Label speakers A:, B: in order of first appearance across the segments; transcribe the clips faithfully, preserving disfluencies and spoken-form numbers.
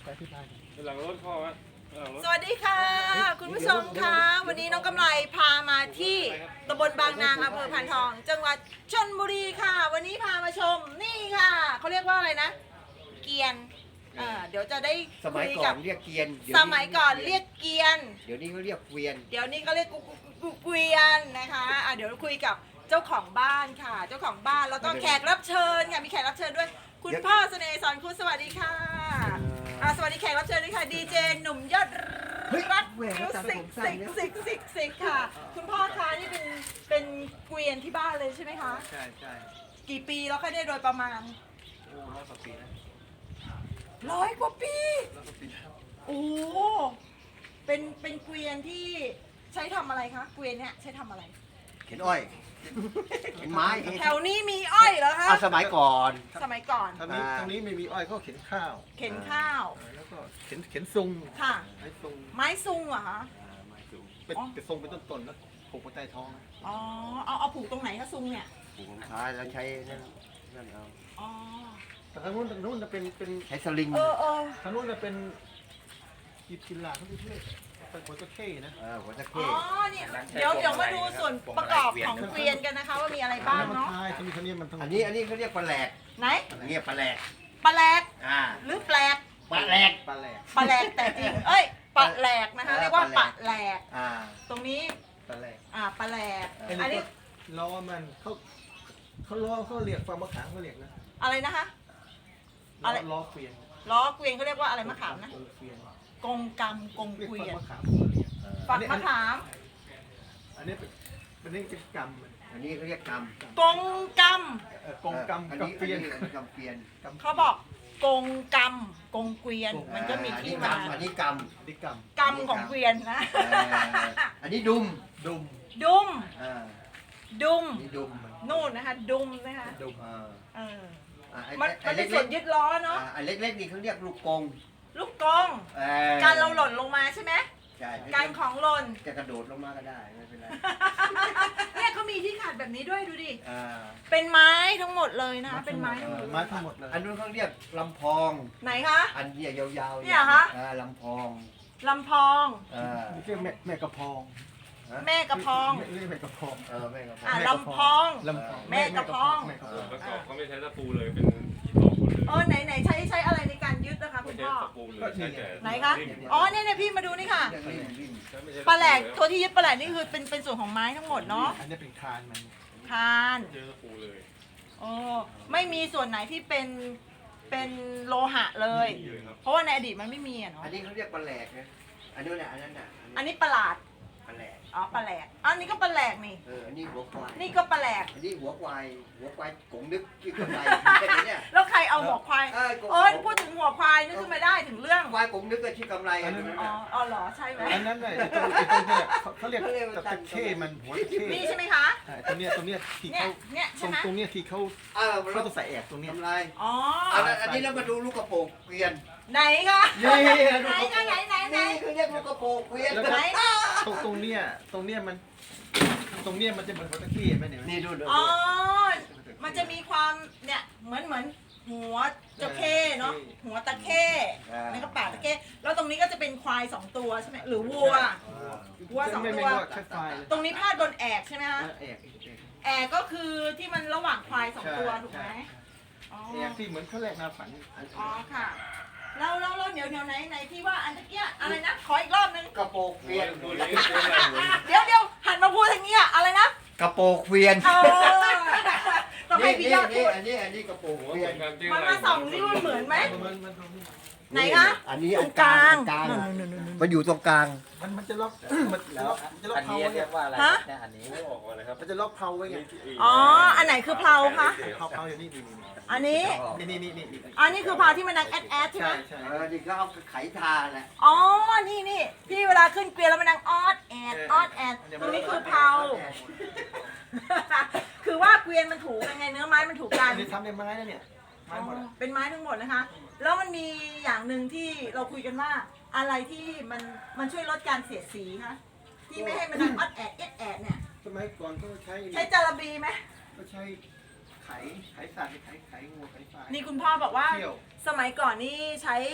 A: ที่บ้าน
B: หลังรถพ่อวะ
C: สวัสดีค่ะคุณผู้ชมคะวันนี้น้องกำไรพามาที่ตำบลบางนางอำเภอพานทอง จังหวัดชลบุรีค่ะ วันนี้พามาชมนี่ค่ะเขาเรียกว่าอะไรนะ เกียนเออเดี๋ยวจะได้
A: สมัยก่อนเรียกเกียน
C: สมัยก่อนเรียกเกียน
A: เดี๋ยวนี้เขาเรียกเกวียน
C: เดี๋ยวนี้ก็เรียกกุกุกุกุเกวียนนะคะอ่ะเดี๋ยวคุยกับเจ้าของบ้านค่ะ เจ้าของบ้านแล้วก็แขกรับเชิญค่ะมีแขกรับเชิญด้วย คุณพ่อเสน่ห์สอนคุณสวัสดีค่ะอ่ะสวัสดีแขกรับเชิญด้วยค่ะดีเจหนุ่มยอดรักมิวสิกสิกสิกสิกสิกค่ะ คุณพ่อคะนี่เป็นเป็นเกวียนที่บ้านเลยใช่ไหมคะ
A: ใช่ใช่
C: กี่ปีแล้วคะเนี่ยโดยประมาณ
A: โอ้ร้อยกว่าปีแล้ว
C: ร้อยกว่าปี
A: ร้อยกว่าปีแล้ว
C: โอ้เป็นเป็นเกวียนที่ใช้ทำอะไรคะเกวียนเนี่ยใช้ทำอะไร
A: เข็นอ้อยเข็นไม้
C: แถวนี้มีอ้อยเหรอคะ
A: อ่ะสมัยก่อน
C: สมัยก่อน
D: ทางนี้
A: อ่า
D: ทางนี้ไม่มีอ้อยก็เข็นข้าว
C: เข็นข้าว
D: เออแล้วก็เข็นเข็นซุง
C: ค่ะ
D: ไม้ซุง
C: ไม้ซุงเหรอคะ
A: อ่าไม้สูง
D: เป็น
C: อ๋อ
D: เป็นซุงเป็นต้นๆแล้วผูกไว้ใต้ท้องนะ
C: อ๋อเอาเอาผูกตรงไหนคะซุงเนี่ย
A: ผูกรองเท้าแล้วใช้นั่นนั่นเอา
C: อ๋อ
D: แต่ทางนู้นทางนู้นจะเป็นเป็น
A: ใช้สลิง
C: เออเออ
D: ทางนู้นจะเป็นกีบกินลาเขาเรียกเป็นหัวตะเข้นะ
A: เออหัวตะ
C: อ๋
A: เข้
C: อเนี่ยเดี๋ยวเดี๋ยวมาดูส่วนประกอบของเกวียนกันนะคะ ว่ามีอะไรบ้าง
D: มัน
C: เนาะ
D: ทายทางนี้ทางนี้มันทาง
A: อันนี้อันนี้เขาเรียกปลาแหลก
C: ไหน
A: อันนี้ปลาแหลก
C: ปลาแหลก
A: อ่า
C: หรือแปลก
A: ปลาแหลก
D: ปลาแหลก
C: ปลาแหลกแต่จริงเอ้ยปลาแหลกนะคะเรียกว่าปลาแหลก
A: อ่า
C: ตรงนี้
D: ปลาแหลก
C: อ่าปลาแหลก
D: ไอ้
C: อัน
D: นี่
C: นี้
D: ก็ล้อมันเขาเขาล้อเขาเรียกฟางมะขามเขาเรียกนะ
C: อะไรนะคะ
D: ล้
C: อะไร
D: อล้อเกวียน
C: ล้อเกวียนเขาเรียกว่าอะไรมะขามนะ
D: กงเกวียน
C: กงกำกง
D: เรียก
C: เกวี
D: ฟาง
C: ยน
D: มะขามเขาเรียก
A: เออ
C: ฝักมะขาม
D: อันนี้เป็นเป็นนี่เป็นกำมัน
A: อันนี้เขาเรียกกำ
C: กงก
D: เอ่อกงกำ
A: อัน
D: กับ
A: นี้
D: เกวียน
A: อันนี้กำเกวียน
C: ำเขาบอกกงกำกงเกวียนมันก็มีที่มา
A: อันนี้กำ
D: อันนี้ก
C: กำของเกวียนนะ
A: เอออันนี้ดุม
D: ำดุม
C: ดุม
A: อ่า
C: ดุม
A: อันนี้ดุม
C: นู่นนะคะดุมนะคะ
D: ดุม
A: อ่า
C: เออ
A: อ่าไอ้
C: มัน
A: ไอ้
C: มันเป็น
A: เล็
C: ส่ว
A: ก
C: นยึดล้อ
A: ๆ
C: เนาะ
A: อ่าอันเล็กๆนี่เขาเรียกลูกกง
C: ลูกกง
A: เออ
C: การเราหล่นลงมาใช่ไหม
A: ใช่
C: การของหล่น
A: จะกระโดดลงมาก็ได้ไม่เป็นไร
C: เนี่ยเขามีที่ขัดแบบนี้ด้วยดูดิ
A: อ่า
C: เป็นไม้ทั้งหมดเลยนะคะเป็นไม้ทั้งหมด
D: ไม้ทั้งหมดเลย
A: อันนู้นเขาเรียกลำพอง
C: ไหนคะ
A: อันเนี้ยยาวๆ
C: เนี่ยเหรอคะ
A: อ่าลำพอง
C: ลำพอง
A: เออ
D: นี่เรียกแม่แม่กระพอง
C: แม่กระพอง
D: เรียกแม่กระพอง
A: เออแม่ก็พอ
C: อ่ะ
A: ง
C: ลำพอง
D: ลำพอง
C: แม่กระพอง
D: แม่กระพอง
B: ประกอบเขาไม่ใช้ตะปูเลยเป็นที่ตอกหมดเลย
C: เออไหนไหนใช้ใช้อะไรในการยึดนะคะคุ
B: ไม่
C: ณ
B: ใช้
C: พ่อ
B: ตะปูเลยใช้แต่
C: ไหนคะอ๋อเนี่ยเนี่ยพี่มาดูนี่ค่ะ
A: เรียกลิ้นลิ้น
B: ไม่ใช่
C: ปลาแหลกตัวที่ยึดปลาแหลกนี่คือเป็นเป็นส่วนของไม้ทั้งหมดเนาะ
D: อันนี้เป็นคานมัน
C: คาน
B: เจอตะปูเลย
C: โอ้ไม่มีส่วนไหนที่เป็นเป็นโลหะเลย
B: นี่เลยครับ
C: เพราะว่าในอดีตมันไม่มีอะเนาะ
A: อันนี้เขาเรียกปลาแหลกนะอันนู้นน่ะอันนั้นน่ะ
C: อันนี้ประหลาด
A: ปลาแหลก
C: อ๋อปลาแหลกอันนี้ก็ปลาแหลกนี่
A: เอออันนี้หัวควาย
C: นี่ก็ปลาแหลก
A: อันนี้หัวควายหัวควายกงนึกที่กำไรเนี่ย
C: แล้วใครเอาหัวควาย
A: เออกง
C: เออพูดถึงหัวควายนึกขึ้นมาได้ถึงเรื่อง
A: ควายกงนึกกับที่กำไรอันนั้น
C: อ๋อ
A: น่ะ
C: อ๋อเหรอใช่ไหม
D: อันนั้นน่ะไอ้ตรงไอ้ตรงเนี่ยเขาเขาเรียก
A: เขาเรียกว่า
D: ตะเข้ มันหัวตะเข้
C: นี่ใช่ไหมคะ
D: ใช่ตรงเนี้ยตรงเนี้ยที่
C: เนี่ย
D: เขา
C: เนี่ย
D: ตร
C: ใช่
D: ง
C: ไหม
D: ตรงเนี้ยที่เขา
A: เออ
D: เขาต้องใส่แอกตรงเนี้ย
A: กำไร
C: อ๋อ
A: อันนั้นอันนี้เรามาดูลูกกระโปรงเกวียน
C: ไหนคะ
A: นี่
C: ไหนไหนไหนไหนไหน
A: นี่คือเรียกลูกกระโปรงเกวียน
D: แล้ว
C: ไหน
D: ก็ตรงตรงเนี้ยตรงเนี้ยมันตรงเนี้ยมันจะเหมือนหัวตะเข้ไหมเนี่ย
A: นี่ดูดู
C: อ๋อ มันจะมีความเนี่ยเหมือนเหมือนหัวจระเข้เนาะหัวตะเข้นั่นก็ปากตะเข้แล้วตรงนี้ก็จะเป็นควายสองตัวใช่ไหมหรือวัว วัวสองตัว
D: ไม่ไม่ว่าแค่ไฟเลย
C: ตรงนี้พาดบนแอกใช่ไหมคะ
D: แอกแอก
C: แอกก็คือที่มันระหว่างควายสองตัวถูกไหมอ๋อ
D: แอกที่เหมือนเขาแรกนาฝัน
C: อ๋อค่ะแล้วแล้วแล้วเดี๋ยวเดี๋ยวไหนไหนที่ว่าอันตะเกียอะไรนะขออีกรอบนึง
A: กระโปรงเกวียน
B: ตัวนี้ตัวใหญ่เลย
C: เดี๋ยวเดี๋ยวหันมาพูดทางนี้อะอะไรนะ
A: กระโปรงเกวียน
C: เออต้องให้
A: นี่
C: พี่
A: นี่
C: ยอดพู
A: นี่
C: ด
A: อันนี้อันนี้กระโปรง
B: หัว
A: เกวี
B: เห
A: ย
B: มื
A: น
B: อนกันที่
C: มันมาส่องที่มันเหมือนไหม
D: มันมันตรงนี้
C: ไหนคะ
A: อันนี้
C: ต
A: อั
C: ร
A: น
C: ง
A: ก
C: ก
A: ลา
C: ลาง ง
A: อันกลาง
C: นู่นนู่นนู่น
A: มันอยู่ตรงกลาง
D: มันมันจะล็อกมันจะล็อกมันจะล็อก
E: อัน
D: เพา
E: นี้
D: ไว้
E: เรี
D: ไง
E: ยกว่าอะไร
C: ฮะ
E: เนี่ยอันนี้
B: ไม่ออกมาเลยครับ
D: มันจะล็อกเพาไว้ไง
C: อ๋ออันไหนคือเพลาคะ
D: เพาเพาอย่างนี้นี่
C: อันนี้
D: นี่นี่นี่นี่นี่
C: อันนี้คือเพลาที่มันดังแอดแอดใช่ไหม
D: ใช่ใช่
A: เออนี่ก็เอาไขทาแหละ
C: อ๋อนี่นี่ที่เวลาขึ้นเกวียนแล้วมันดังออดแอดออดแอดตรงนี้คือเพลาคือว่าเกวียนมันถูกยังไงเนื้อไม้มันถูกกัน
D: อันนี้ทำในไม้นะเนี่ยไม้หมดอะ
C: เป็นไม้ทั้งหมดนะคะ แล้วมันมีอย่างหนึ่งที่เราคุยกันว่าอะไรที่มันมันช่วยลดการเสียดสีคะที่ไม่ให้มันดังออดแอดเอ็ดแอดเนี่ย
D: สมัยก่อนก็ใช้
C: ใช้จาระบีไหม
D: ก็ใช้ไขไขสัตว์ไขไขงูไขปลา
C: นี่คุณพ่อบอกว่า
D: เที่ยว
C: สมัยก่อนนี่ใช้ไข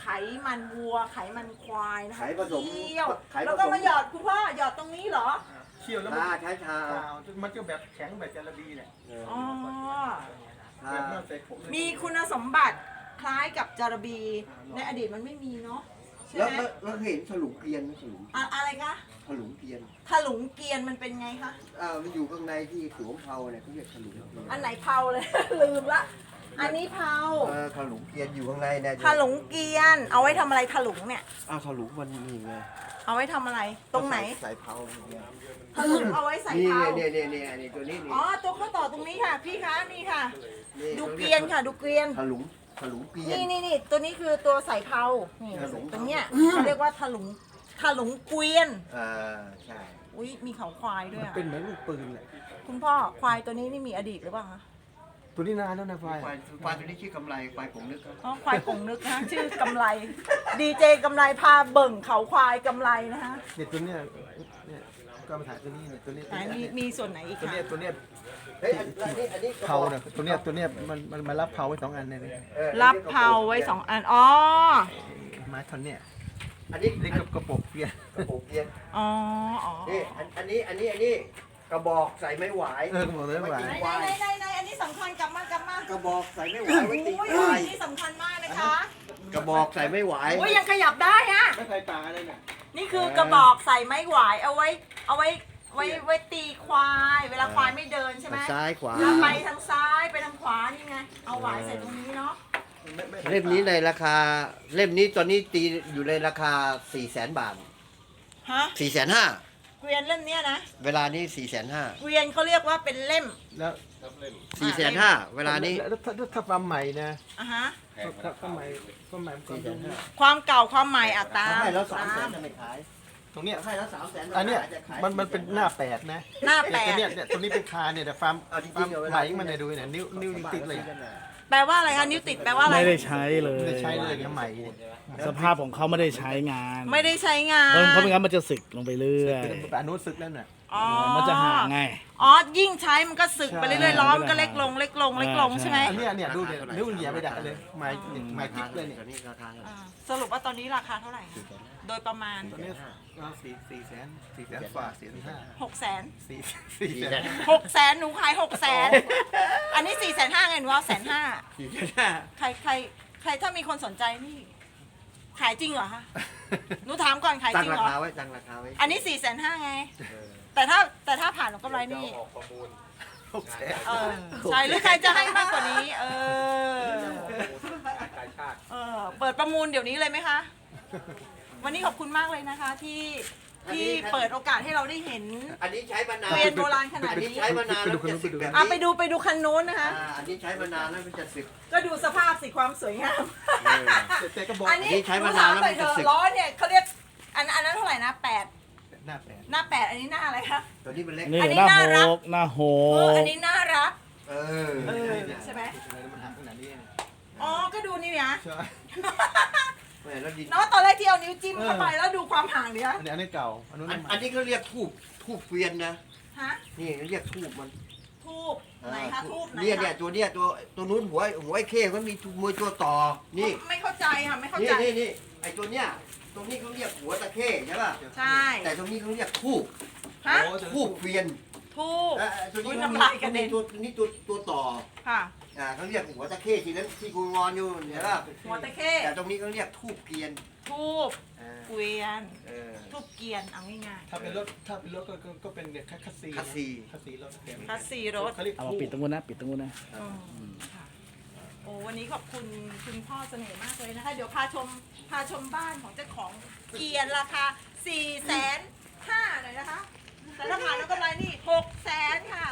C: ไขมันวัว ไขมันควายนะคะ
A: ไขผสม
C: เคี่ยว
A: ไขผสม
C: แล้วก็มาหยอดคุณพ่อหยอดตรงนี้เหรอ
D: เคี่ยวแล้วมัน
A: ชาใช้ชา
D: ชามันก็แบบแข็งแบบจาระบีเนี่ย
C: อ๋อ
A: ชา
D: แบบน่าใส่ผม
C: มีคุณสมบัติคล้ายกับจาระบี ในอดีตมันไม่มีเนาะใช่
A: แล้ว
C: ไหม
A: แล้วแล้วเห็นฉลุงเกวียนไหมฉลุง
C: อะอะไรคะ
A: ฉลุงเกวียน
C: ถลุงเกียนมันเป็นไงคะ
A: อ่ามันอยู่ข้างในที่สวมเผาเนี่ยเขาเรียกฉลุงเกวียน
C: อันไหนเผาเลย ลืมละ อันนี้เผา
A: เออฉลุงเกวียนอยู่ข้างในเนี่ย
C: ถลุงเกียน เอาไว้ทำอะไรถลุงเนี่ย
A: อ้าวฉลุงมันนี่ไง
C: เอาไว้ทำอะไร ตรงไหน
A: ใส่เผาเนี่ย
C: ถลุงเอาไว้ใส่
A: นี่
C: เผา
A: เนี่ยเนี่ยเนี่ยเนี่ยตัวนี้นี่
C: อ๋อ ตัวข้อต่อตรงนี้ค่ะ พี่คะ นี่ค่ะ
A: นี่
C: ดูเกวียนค่ะ ดูเกวียน
A: ฉลุงฉลุงเกวียน
C: นี่นี่นี่ตัวนี้คือตัวใส่เผานี่
A: ถลุง
C: ตรงเนี้ยเขาเรียกว่าถลุงถลุงเกวียน
A: อ่าใช่
C: อุ้ยมีเขาควายด้วย
D: มัน
C: อะ
D: เป็นเหมือนลูกปืนเลย
C: คุณพ่อควายตัวนี้นี่มีอดีตหรือเปล่าคะ
D: ตัวนี้นานแล้วนะไฟ
A: ควายควายตัวนี้ชื่อกำไรควายผมนึกครับ
C: อ๋อควายกงนึกนะชื่อกำไร ดีเจกำไรพาเบิ่งเขาควายกำไรนะคะ
D: เนี่ยตัวเนี้ยเนี่ยก็มาถ่ายตัวนี้เนี่ยตัวนี้
C: ไหนมีมีส่วนไหนอีก
D: ตัว
C: คะ
D: เนี้ยตัวเนี้ย
A: เฮ้ยอันอันนี้อันนี้
D: เผาเนี่ยตัวเนี้ยตัวเนี้ยมันมันมารับเผาไว้สองอันเลยเนี่ย
A: ออ
C: รับเผาไว้สองอัน อ๋อ
D: ไม้ท่อนเนี่ย
A: อันนี้
D: นี่กับกระปกเปีย
A: กระโปรงเกวียน
C: อ๋อ อ๋อ
A: นี่อันอันนี้อันนี้อันนี้กระบอกใส่ไม้หวาย
D: เออกระบอกเลยหวาน
C: ไหนไหนไหนไหนอันนี้สำคัญกลับมากลับมาก
A: ระบอกใส่ไม้หวายไว้ตี
C: โอ้ย
A: ควา
C: อั
A: ย
C: นนี้สำคัญมากนะคะ
A: กระบอกใส่ไม้หวาย
C: โอ้ยยังขยับได้อะ
D: ไม่ใส่ตาเลยเนี่ย
C: นี่คือกระบอกใส่ไม้หวายเอาไว้ เอาไว้ไว้ไว้ตีควาย เวลาควายไม่เดินใช่ไหม
A: ซ้ายขวา
C: แล้วไปทางซ้ายไปทางขวานี่ไง เอาหวายใส่ตรงนี้เนาะ
D: ไม่ไม่
A: เล่มนี้ในราคาเล่มนี้ตอนนี้ตีอยู่ในราคาสี่แสนบาท
C: ฮะ
A: สี่แสนห้า
C: เกวียนเล่มเนี้ยนะ
A: เวลานี้สี่แสนห้า
C: เกวียนเขาเรียกว่าเป็นเล่ม
D: แล้ว
B: รับเล่ม
A: สี่แสนห้าเวลานี้
D: แล้วถ้าถ้าฟาร์มใหม่นะ
C: อ่ะฮะ
B: แพง
D: ถ้าฟาร์มใหม่ฟาร์มใหม่มันก็ดู
C: ความเก่าความใหม่อัตรา
A: เขาให้แล้วสามแสน
C: ต
A: จะไม่ขาย
D: ตรงเนี้ย
A: เขาให้แล้วสามแสน
D: อันเนี้ย
A: จะขาย
D: มันมันเป็นหน้าแปดนะ
C: หน้าแป
D: ตัว
C: ด
D: เนี้ยเนี่ยตัวนี้เป็นคาเนี่ยแต่ฟาร์ม
A: เอาจริ
D: ฟาร์
A: ง
D: ม
A: ๆเอาเว
D: ให
A: ลา
D: ม่มันเนี่ยดูเนี่ยนิ้วนิ้วติดเลย
C: แปลว่าอะไรคะนิ้วติดแปลว่าอะไร
E: ไม่ได้ใช้เลย
D: ไม่ได้ใช้เลยเนี่ยใหม่เนี่ย
E: สภาพของเขาไม่ได้ใช้งาน
C: ไม่ได้ใช้งาน
E: เพราะเพราะไม่งั้นมันจะสึกลงไปเรื่อย
D: แต่อนุสึกแล้วน่ะ
C: อ๋อ
E: มันจะห่างไง
C: อ๋อ ยิ่งใช้มันก็สึกไปเรื่อย
E: ใช่
C: ๆล้อมนก็เล็กลงเล็กลงเล็กลง
E: ใช่
C: ใช่ไหม
D: อันเนี้ยเนี่ยดูเนี่ยนิ้วเหยียบไม่ได้เลยไม้เนี่ยไม้กิ๊กเลยเนี่ย
A: ตอนนี้ราคาเท่าไหร่
C: อ่าสรุปว่าตอนนี้ราคาเท่าไหร่คะโดยประมาณ
D: ตัวเนี้ยก็สี่สี่แสนสี่แสนฝ่าสี่แสนห้า
C: หกแสน
D: สี่สี่
A: สี่
D: แส
A: แส
D: น
A: น
C: หกแสนหนูขายหกแสนอันนี้สี่แสนห้าไงหนูเอาแสนห้า
A: สี่แสนห้า
C: ใครใครใครถ้ามีคนสนใจนี่ ขายจริงเหรอคะหนูถามก่อนขาย
A: ตั้
C: จ
A: ง
C: ริง
A: รา
C: เหรอ
A: คาไว้ตั้งราคาไว้
C: อันนี้สี่แสนห้าไง
A: เออ
C: แต่ถ้าแต่ถ้าผ่านหนูกำไรนี่
B: ออกประมูล
D: หกแสน
C: เออใช่หรือใครจะให้มากกว่านี้ เออ
B: กายชาติ
C: เออเปิดประมูลเดี๋ยวนี้เลยไหมคะ วันนี้ขอบคุณมากเลยนะคะ ที่ที่เปิดโอกาสให้เราได้เห็น
A: อันนี้ใช้มานาน
C: เกวียนโบราณขนาด
A: อัน
C: นี้
A: นี้ใช้มานานแล้วจะสึกแบบ
C: อ่ะ
A: นี้
C: ไปดูไปดูคันนู้นนะคะ
A: อ่าอันนี้ใช้มานานแล้วมันจะสึก
C: ก็ดูสภาพสิความสวยงาม
D: แต่ก็บอก
C: อันนี้
A: อันนี้ใช้มานานแล้วมันจะสึก
C: ล้อเนี่ยเขาเรียกอันอันนั้นเท่าไหร่นะแปด
D: หน้าแปด
C: หน้าแปดอันนี้หน้าอะไรคะ
A: ตัวนี้มันเล็ก
E: นี่
C: อันนี้
E: หน้า
C: น่ารัก
E: โหกหน้าโห
C: เออก อันนี้น่ารัก
A: เออ
C: เออใช่ไหม
D: มันหักขนาดนี้
C: อ๋อก็ดูนี่นะ
D: ใช่
A: แหม่แล้วดิน
C: เนาะตอนแรกที่เอานิ้วจิ้มเข้าไปแล้วดูความห่างเดียว
D: อันนี้อันนี้เก่าอันนู้น
A: อัน
D: ใหม่
A: อันนี้เขาเรียกทูบทูบเกวียนนะ
C: ฮะ
A: นี่เขาเรียกทูบมัน
C: ทูบไหนคะทูบไหน
A: เนี่ยเนี่ย
C: คะ
A: ตัวเนี้ยตัวตัวนู้นหัวหัวไอ้เข้มันมีมวยตัวต่อ นี่
C: ไม่เข้าใจค่ะไม่เข้า
A: นี่
C: ใจ
A: นี่นี่ไอ้ตัวเนี้ยตรงนี้เขาเรียกหัวตะเข้ใช่ป่ะ
C: ใช่
A: แต่ตรงนี้เขาเรียกทูบ
C: ฮะ
A: ทูบเกวียน
C: ทูบ
A: เอ่อตัวนี้
C: อุ๊ย
A: เขามี
C: น้ำลายกระเด็น
A: ตัวนี้ตัวตัวต่อ
C: ค่ะ
A: อ่าเขาเรียกหัวตะเข้ทีนั้นที่กูงอนอยู่เห็นป่ะ
C: หัวตะเข้
A: แต่ตรงนี้เขาเรียกทูบเกวียน
C: ทูบ
A: อ่า
C: เกวียน
A: เออ
C: ทูบเกวียนเอาง่าย
D: ถ้าเป็นรถถ้าเป็นรถก็ก็ก็เป็นเนี่ยคัสซี
A: คัสซี
D: คัสซีรถ
C: ๆคัสซีรถ
D: เขาเรียก
E: เอามาปิดตรงนู้นนะ ปิดตรงนู้นนะ
C: อืมค่ะโอ้วันนี้ขอบคุณคุณพ่อเสน่ห์มากเลยนะคะ เดี๋ยวพาชมพาชมบ้านของเจ้าของเกียร์ราคาสี่แสนห้าหน่อยนะคะ แต่ถ้าผ่านแล้วกำไรนี่หกแสนค่ะ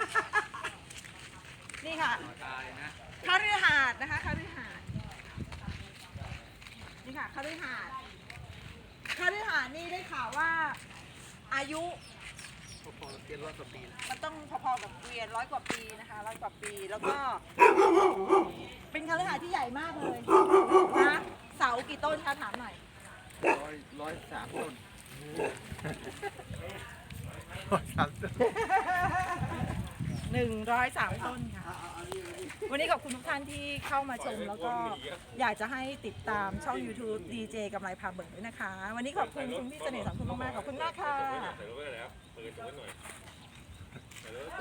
C: นี่ค่ะคาฤหาสน์นะคะคาฤหาสน์นี่ค่ะคาฤหาสน์คาฤหาสน์นี่ได้ข่าวว่าอายุ
D: พอเกียร์ร้อยกว่าปีแล้ว
C: มันต้องพอๆกับเกวียนร้อยกว่าปีนะคะร้อยกว่าปีแล้วก็ เป็นคฤหาสน์ที่ใหญ่มากเลยนะเสากี่ต้นคะถามหน่อย
D: ร้อยร้อยสามต้นร้อยสามต้น
C: หนึ่งร้อยสามต้นค่ะ วันนี้ขอบคุณทุกท่านที่เข้ามาชมแล้วก็อยากจะให้ติดตามช่อง YouTube ดี เจ กำไรพาเบิกด้วยนะคะ วันนี้ขอบคุณคุณพี่เสน่ห์สอนคุณมากๆขอบคุณมากค่ะ